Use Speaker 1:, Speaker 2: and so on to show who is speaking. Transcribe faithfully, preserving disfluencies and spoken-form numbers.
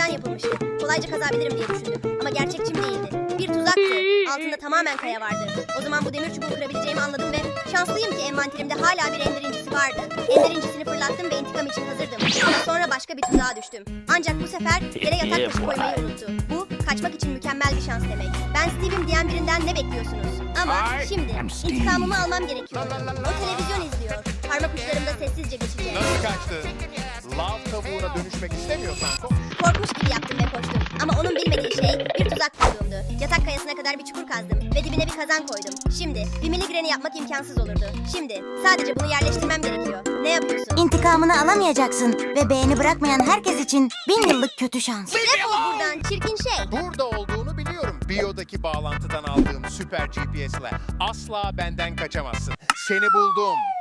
Speaker 1: demirden yapılmıştı. Kolayca kazabilirim diye düşündüm ama gerçekçim değildi. Bir tuzaktı. Altında tamamen kaya vardı. O zaman bu demir çubuğu kırabileceğimi anladım ve şanslıyım ki envanterimde hala bir ender incisi vardı. Ender incisini fırlattım ve intikam için hazırdım. Ama sonra başka bir tuzağa düştüm. Ancak bu sefer yere yatak taşı koymayı unuttu. Bu kaçmak için mükemmel bir şans demek. Ben Steve'im diyen birinden ne bekliyorsunuz? Ama şimdi intikamımı almam gerekiyor. O televizyon izliyor. Parmak uçlarımda sessizce geçeceğim.
Speaker 2: Nasıl kaçtı? Lav tavuğuna dönüşmek istemiyorsan konuş.
Speaker 1: Korkmuş gibi yaptım ve koştum. Ama onun bilmediği şey bir tuzak kurduğumdu. Yatak kayasına kadar bir çukur kazdım ve dibine bir kazan koydum. Şimdi bir miligreni yapmak imkansız olurdu. Şimdi sadece bunu yerleştirmem gerekiyor. Ne yapıyorsun?
Speaker 3: İntikamını alamayacaksın ve beğeni bırakmayan herkes için bin yıllık kötü şans.
Speaker 1: Defol buradan çirkin şey.
Speaker 2: Burada olduğunu biliyorum. Biyodaki bağlantıdan aldığım süper G P S'le asla benden kaçamazsın. Seni buldum.